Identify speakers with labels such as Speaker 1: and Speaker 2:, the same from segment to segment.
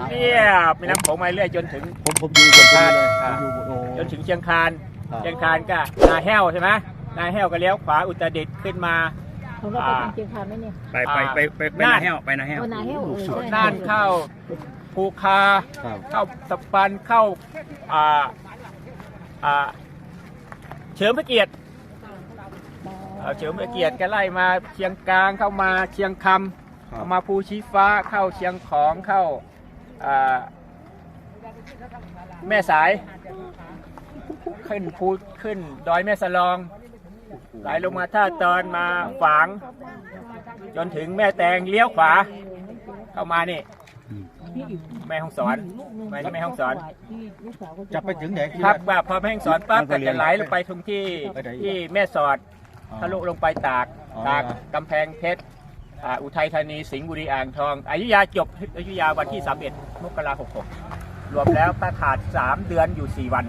Speaker 1: เรียบแม่น้ำโขงมาเรื่อยจนถึง
Speaker 2: ผมอยู่กับท่าน
Speaker 1: จนถึงเชียงคานเชียงคานก็นาแห้วใช่ไหมนาแห้วก็เลี้ยวขวาอุตรดิตถ์ขึ้นมา
Speaker 3: ผมว่าไปเชียงคานไหมเนี่ย
Speaker 2: ไปนาแห้วไปนาแห้ว
Speaker 1: น่านเข้าภูคาเข้าสปันเข้าเฉลิมพระเกียรติเฉลิมพระเกียรติก็ไล่มาเชียงกลางเข้ามาเชียงคำเข้ามาภูชีฟ้าเข้าเชียงของเข้าแม่สายขึ้นดอยแม่สลองไหลลงมาท่าตอนมาฝางจนถึงแม่แตงเลี้ยวขวาเข้ามานี่แม่ฮ่องสอนมาที่แม่ฮ่องสอน
Speaker 2: จะไปถึงไหน
Speaker 1: ครับว่าพอแม่ฮ่องสอนปั๊บก็จะไหลลงไปตรงที่แม่สอดทะลุลงไปตากกำแพงเพชรอุทัยธานีสิงห์บุรีอ่างทองอยุธยาจบอยุธยาวันที่31 มกราคม 66รวมแล้วก็ขาด3 เดือนอยู่4 วัน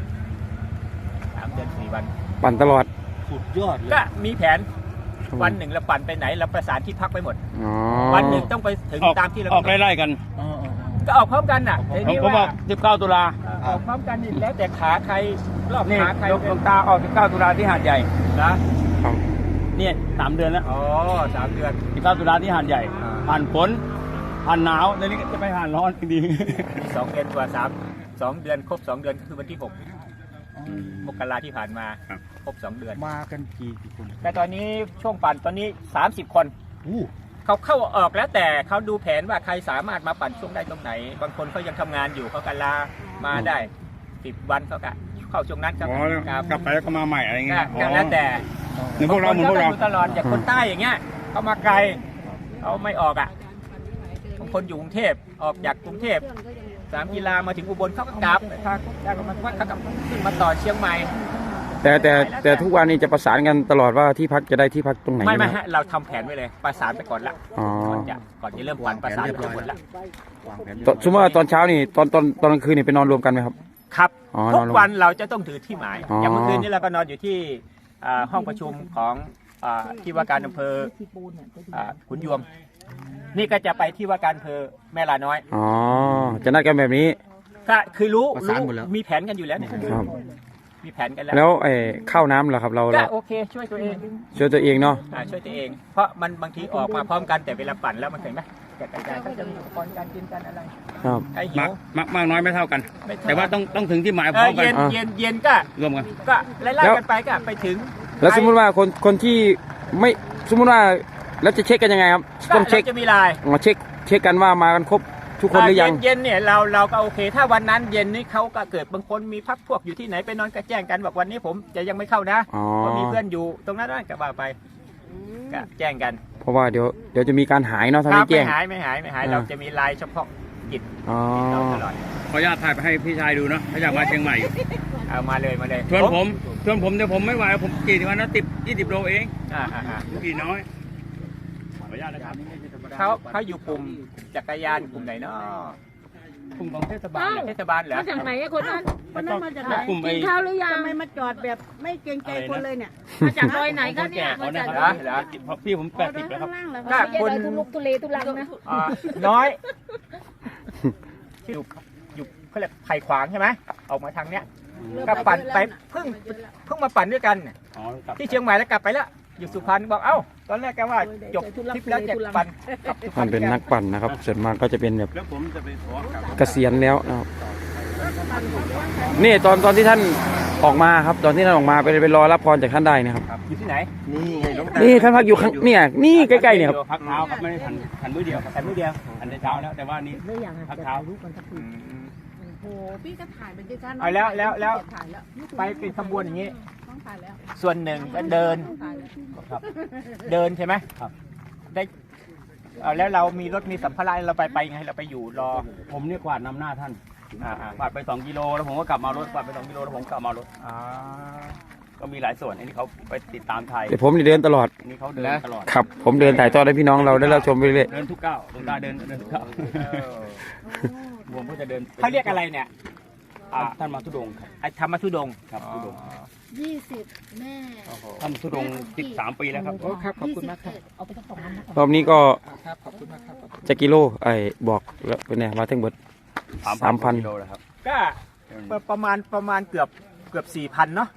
Speaker 1: 3 เดือน 4 วัน
Speaker 4: ปั่นตลอด
Speaker 2: สุดยอดเลย
Speaker 1: ก็มีแผนวันหนึ่งเราปั่นไปไหนเราประสานที่พักไปหมดวันหนึ่งต้องไปถึงตามที่เรา
Speaker 2: ออกไล่ๆกัน
Speaker 1: ก็ออกพร้อมกันน่ะ
Speaker 2: ผมบอก19 ตุลา
Speaker 1: ออกพร้อมกันนี่แล้วแต่ขาใครรอบขาใคร
Speaker 2: ลงตาออก19 ตุลาที่หาดใหญ่
Speaker 1: นะ
Speaker 2: เนี่ย3 เดือนแล้ว
Speaker 1: 3 เดือน
Speaker 2: 19 ตุลาที่หาดใหญ่ผ่านฝนผ่านหนาวในนี้จะไปผ่านร้อนดี
Speaker 1: มี2 เดือนกว่า2 เดือนครบ2 เดือนคือวันที่6 มกราที่ผ่านมาครบ2 เดือน
Speaker 2: มากันกี่คน
Speaker 1: แต่ตอนนี้ช่วงปั่นตอนนี้30 คนเขาเข้าออกแล้วแต่เขาดูแผนว่าใครสามารถมาปั่นช่วงได้ตรงไหนบางคนเขายังทำงานอยู่เขากันลามาได้10 วันเขาก็เข้าช่วงนั้นครับ
Speaker 2: กลับไปแล้วก็มาใหม่อะไรเงี้ย
Speaker 1: แล้วแต่
Speaker 2: พวกเรา
Speaker 1: ตลอดอย่างคนใต้อย่างเงี้ยเขามาไกลเขาไม่ออกบางคนอยู่กรุงเทพออกจากกรุงเทพ3 กีฬามาถึงอุบลเขาก็กลับเขาก็ขึ้นมาต่อเชียงใหม่
Speaker 4: แต่ทุกวันนี้จะประสานกันตลอดว่าที่พักจะได้ที่พักตรงไหน
Speaker 1: ไม่ฮะเราทำแผนไว้เลยประสานไปก่อนละก่อนจะเริ่มปั่นประสานไปหมดละ
Speaker 4: สมมติว่าตอนเช้านี่ตอนกลางคืนนี่ไปนอนรวมกันไหมครับ
Speaker 1: ครับทุกวันเราจะต้องถือที่หมายอย่างเมื่อคืนนี้เราก็นอนอยู่ที่ห้องประชุมของที่ว่าการอำเภอขุนยวมนี่ก็จะไปที่ว่าการอำเภอแม่ลาน้อย
Speaker 4: จะนัดกันแบบนี้
Speaker 1: ก็คือรู้มีแผนกันอยู่แล้วเนี่ยมีแผนกันแล้ว
Speaker 4: ข้าวน้ำเหรอครับเรา
Speaker 1: โอเคช่วยตัวเอง
Speaker 4: เนาะช่วยตัวเอง
Speaker 1: เพราะมันบางทีออกมาพร้อมกันแต่เวลาปั่นแล้วมันเห็นไหมกระจายก็จะมีอุปกรณ์การกินกันอะไร
Speaker 4: ใครหิว
Speaker 2: มากน้อยไม่เท่ากันแต่ว่าต้องถึงที่หมายพร้อมกัน
Speaker 1: เย็นก็
Speaker 2: รวมกัน
Speaker 1: ก็ไล่กันไปก็ไปถึง
Speaker 4: แล้วสมมติว่าคนที่ไม่สมมติว่าแล้วจะเช็คกันยังไงครับ
Speaker 1: ต้องเช็คจะมีไลน์
Speaker 4: เช็คกันว่ามากันครบทุกคนหรือยัง
Speaker 1: เย็นเนี่ยเราก็โอเคถ้าวันนั้นเย็นนี้เขาก็เกิดบางคนมีพักพวกอยู่ที่ไหนไปนอนก็แจ้งกันบอกวันนี้ผมจะยังไม่เข้านะเพราะมีเพื่อนอยู่ตรงนั้นก็ว่าไปก็แจ้งกัน
Speaker 4: เพราะว่าเดี๋ยวจะมีการหายเนาะถ้าไม่แจ้ง
Speaker 1: ไม่หายเราจะมีไลน์เฉพาะกิจตลอด
Speaker 2: ขออนุญาตถ่ายไปให้พี่ชายดูเนาะถ้าอยากมาเชียงใหม่
Speaker 1: เอามาเลย
Speaker 2: ชวนผมเดี๋ยวผมไม่ไหวผมกี่วันนะ20 โลเองกี่น้อยขออนุญาตนะครับ
Speaker 1: เขาอยู่กลุ่มจักรยานกลุ่มไหนเนาะ
Speaker 2: กลุ่มของเทศบาล
Speaker 1: เหรอ
Speaker 3: มาจากไหนคนนั้นมาจากไหนกินข้าวหรือยังทำไมมาจอดแบบไม่เกรงใจคนเลยเนี่ยมาจากดอยไหนก็เนี่ยมาจาก
Speaker 2: พี่ผม80แล้วครับ
Speaker 3: ก็คนทุเลทุลังนะ
Speaker 1: น้อยอยู่เขาเรียกไผ่ขวางใช่ไหมออกมาทางเนี้ยก็ปั่นไปเพิ่งมาปั่นด้วยกันที่เชียงใหม่แล้วกลับไปแล้วอยู่สุพรรณบอกตอนแรกแกว่าจบทริปแล้วจะปั่น
Speaker 4: มันเป็นนักปั่นนะครับส่วนมากก็จะเป็นแบบเกษียณแล้วนะครับนี่ตอนที่ท่านออกมาครับตอนที่ท่านออกมาไปรอรับพรจากท่านได้นะครับ
Speaker 1: อยู่ที่ไหน
Speaker 4: นี่ท่านพักอยู่ข้างนี่ใกล้ๆเนี่ยครับ
Speaker 2: พักเท้าครับไม่ได้ทันมื้อเดียวทันในเช้าแล้วแต่ว่านี่พักเท้า
Speaker 3: โอ้พี่ก็ถ่ายเป็นชั้น
Speaker 1: แล้วไปเป็นขบวนอย่างนี้ส่วนหนึ่งก็เดินใช่ไหมได้แล้วเรามีรถมีสัมภาระเราไปไงเราไปอยู่รอ
Speaker 2: ผมเนี่ยกวาดนำหน้าท่านกวาดไป2 กิโลแล้วผมก็กลับมารถกวาดไป2 กิโลแล้วผมกลับมารถก็มีหลายส่วนอันนี้เขาไปติดตามไทย
Speaker 4: แต่ผมเดินตลอด
Speaker 2: นี่เขาเดินตลอด
Speaker 4: ครับผมเดินถ่ายทอดให้พี่น้องเราได้รับชมไปเรื่อย
Speaker 2: เดินทุกก้าวลงตาเดินทุกก้าวผมก็จะเดิน
Speaker 1: เขาเรียกอะไรเนี่ย
Speaker 2: ท่านมาทุดงครับ
Speaker 1: ธรรมทุดง
Speaker 2: ครับทุดง
Speaker 3: 20แม่
Speaker 2: ท่านทุดง13 ปีแล้วครับ
Speaker 1: ครับขอบคุณมากครับ
Speaker 4: รอบนี้ก็จะกิโลบอกแล้วเป็นไงมาทั้งหมด 3,000
Speaker 2: กิโลแล้วครับ
Speaker 1: ก็ประมาณเกือบ 4,000 เนาะ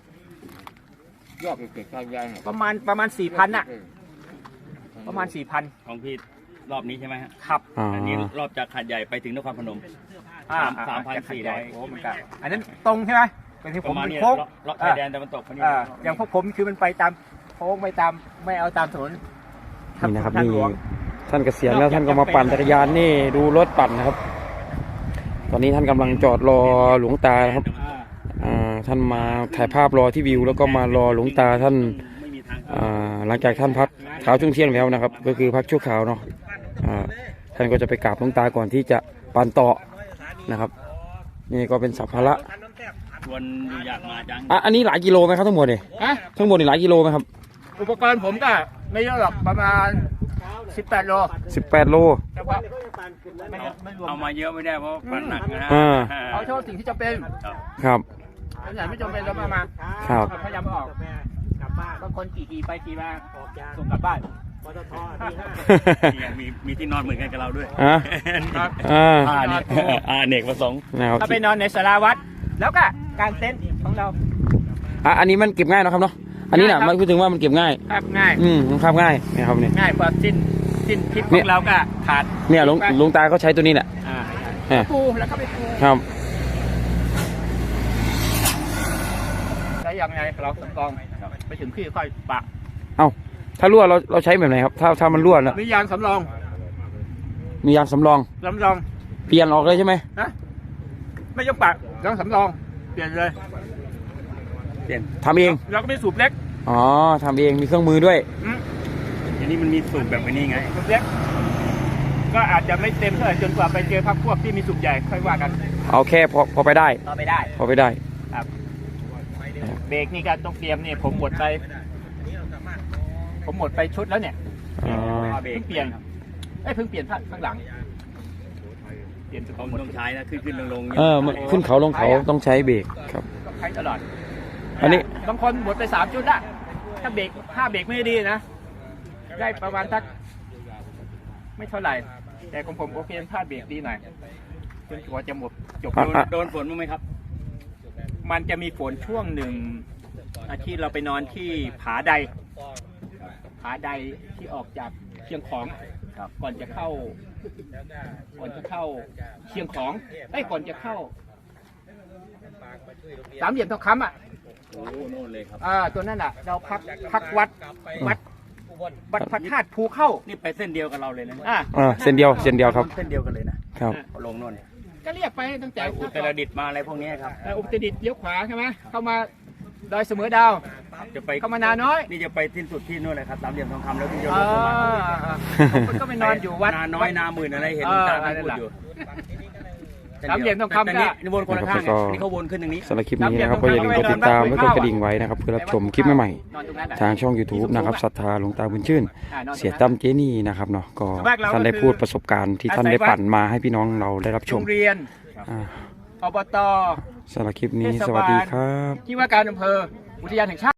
Speaker 1: ประมาณ 4,000 น่ะ ประมาณ 4,000
Speaker 2: ของพี่รอบนี้ใช่ไหมฮะ
Speaker 1: ครับ
Speaker 2: อันนี้รอบจากหาดใหญ่ไปถึงนครพนม 3,400
Speaker 1: โอ้มันก็อันนั้นตรงใช่ไหมเป็นที่
Speaker 2: ป
Speaker 1: ผม
Speaker 2: ระมาณ
Speaker 1: เป็น
Speaker 2: นี้
Speaker 1: โค้ง
Speaker 2: เลาะชายแดนตะวันตกคนนี้
Speaker 1: อย่างพวกผมคือมันไปตามโค้งไปตามไม่เอาตามถนน
Speaker 4: นี่นะครับ
Speaker 1: ทาง
Speaker 4: นี่
Speaker 1: หลวง
Speaker 4: ท่านเกษียณแล้วท่านก็มาปั่นจักรยานนี่ดูรถปั่นนะครับ ตอนนี้ท่านกำลังจอดรอหลวงตานะครับท่านมาถ่ายภาพรอที่วิว แล้วก็มารอหลวงตาท่าน
Speaker 2: ไม่มีทาง
Speaker 4: หลังจากท่านพักเช้าช่วงเที่ยงแล้วนะครับ ก็คือพักชั่วคราวเนาะท่านก็จะไปกราบหลวงตาก่อนที่จะปั่นต่อนะครับ นี่ก็เป็นสัมภาระ
Speaker 2: วนอยู่อยากมาจัง
Speaker 4: อันนี้หลายกิโลไหมครับทั้งหมดเนี่ย
Speaker 1: ฮะ
Speaker 4: ทั้งหมดนี่หลายกิโลไหมครับ
Speaker 1: อุปกรณ์ผมก็ไม่เยอะหรอกประมาณ 18 โล
Speaker 4: 18 โล
Speaker 1: แต่ว่าไม่รวม
Speaker 2: เอามาเยอะไม่ได้เพราะปั่นหนักนะฮะ
Speaker 1: เอาเฉพาะสิ่งที่จำเป็น
Speaker 4: ครับ
Speaker 1: อันไหนไม่จำเป็นเรามา
Speaker 4: ครับ
Speaker 1: พยายามเอาออกบางคนขี่ไปขี่มาส่งกลับบ้าน
Speaker 2: มีที่นอนเหมือนกันกับเราด้วย
Speaker 1: ครับ
Speaker 2: เนกประสงค์
Speaker 4: นะครับ
Speaker 1: ก็ไปนอนในศาลาวัด แล้วก็กางเต็นท์ของเรา
Speaker 4: อันนี้มันเก็บง่ายนะครับเนาะอันนี้น่ะมันพูดถึงว่ามันเก็บง่าย
Speaker 1: ครับง่าย
Speaker 4: มันคาบง่ายนะครับเนี่ย
Speaker 1: ง่ายกว่าสิ้นทิศข
Speaker 4: เนี่
Speaker 1: อย งเราก็ขาด
Speaker 4: เนี่ยหลวงตาเขาใช้ตัวนี้แหละ
Speaker 1: ปูแล้วก็ไปปู
Speaker 4: ครับ
Speaker 1: ใช้ยังไงเราสำรองไปถึงที่ค่อยปะ
Speaker 4: ถ้ารั่วเราใช้แบบไหนครับถ้ามันรั่วแล้ว
Speaker 1: มียางสำรอง
Speaker 4: มียางสำรอง
Speaker 1: เ
Speaker 4: เปลี่ยนออกเลยใช่ไหม
Speaker 1: นะไม่ต้องปะยางสำรองเปลี่ยนเลย
Speaker 4: ทำเอง
Speaker 1: เราก็ไม่สูบเล็ก
Speaker 4: อ๋อทำเองมีเครื่องมือด้วย
Speaker 2: อันนี้มันมีสูตรแบบนี้ไง
Speaker 1: สูบเล็กก็อาจจะไม่เต็มเท่าไหร่จนกว่าไปเจอพักพวกที่มีสูบใหญ่ค่อยว่ากัน
Speaker 4: เอาแค่พอไปได้
Speaker 1: ต่อไปได้
Speaker 4: พอไปได้
Speaker 1: ครับเบรกนี่ก็ต้องเตรียมเนี่ยผมหมดไปชุดแล้วเนี่ย
Speaker 4: อ๋อ
Speaker 1: เพิ่งเปลี่ยนเพิ่งเปลี่ยนข้างหลังเปลี่ยน
Speaker 2: ผมต้องใช้นะขึ้นลง
Speaker 4: มันขึ้นเขาลงเขาต้องใช้เบรกครับ
Speaker 1: ต้องใช้ตลอด
Speaker 4: อันนี้
Speaker 1: บางคนหมดไป3 ชุดละถ้าเบรกไม่ดีนะได้ประมาณสักไม่เท่าไหร่ แต่ของผมโอเคถ้าเบรกดีหน่อยจนกว่าจะหมดจบ
Speaker 2: โดนฝนมั้างไหมครับ
Speaker 1: มันจะมีฝนช่วงหนึ่งที่เราไปนอนที่ผาใดที่ออกจากเชียงของก่อนจะเข้าเชียงของก่อนจะเข้าสามเหลี่ยมทองคำ
Speaker 2: โอ้โน่นเลยครับ
Speaker 1: ตัวนั้นเราพักวัดพระธาตุภูเข้า
Speaker 2: นี่ไปเส้นเดียวกับเราเลยนะ
Speaker 4: เส้นเดียวครับ
Speaker 2: เส้นเดียวกันเลยนะครับ ลงโน่น
Speaker 1: ก็เรียกไปตั้งแต่
Speaker 2: อุตรดิตถ์มาอะไรพวกนี้ครับ
Speaker 1: อุตรดิตถ์เลี้ยวขวาใช่ไหมเข้ามาดอยเสมอดาว
Speaker 2: จะไป
Speaker 1: เข้ามานาน้อย
Speaker 2: นี่จะไปสิ้นสุดที่นู่นเลยครับสามเหลี่ยมทองคำแล้วที่จะ
Speaker 1: อ๋
Speaker 2: ล
Speaker 1: อง
Speaker 2: มา
Speaker 1: ก็ไปนอนอยู่วัด
Speaker 2: นาน้อยนาหมื่นอะไรเห็นตาพูดอยู่
Speaker 1: สามเหลี่ยมทองคำ
Speaker 2: แต่นี่วนคนละข้างนี่เขาวนขึ้นตรงนี้
Speaker 4: สำหรับคลิปนี้นะครับก็อย่าลืมกดติดตามและกดกระดิ่งไว้นะครับเพื่อรับชมคลิปใหม่
Speaker 1: นอนตรงนั้น
Speaker 4: ๆทางช่อง YouTube นะครับศรัทธาหลวงตาบุญชื่น เสียตั้มเจนี่นะครับเนาะก็ท่านได้พูดประสบการณ์ที่ท่านได้ปั่นมาให้พี่น้องเราได้รับช
Speaker 1: โร
Speaker 4: ม
Speaker 1: งเรียน
Speaker 4: อ่า
Speaker 1: อบต
Speaker 4: สำหรับคลิปนี้สวัสดีครับ
Speaker 1: ที่ว่าการอำเภออุทยานแห่งชาติ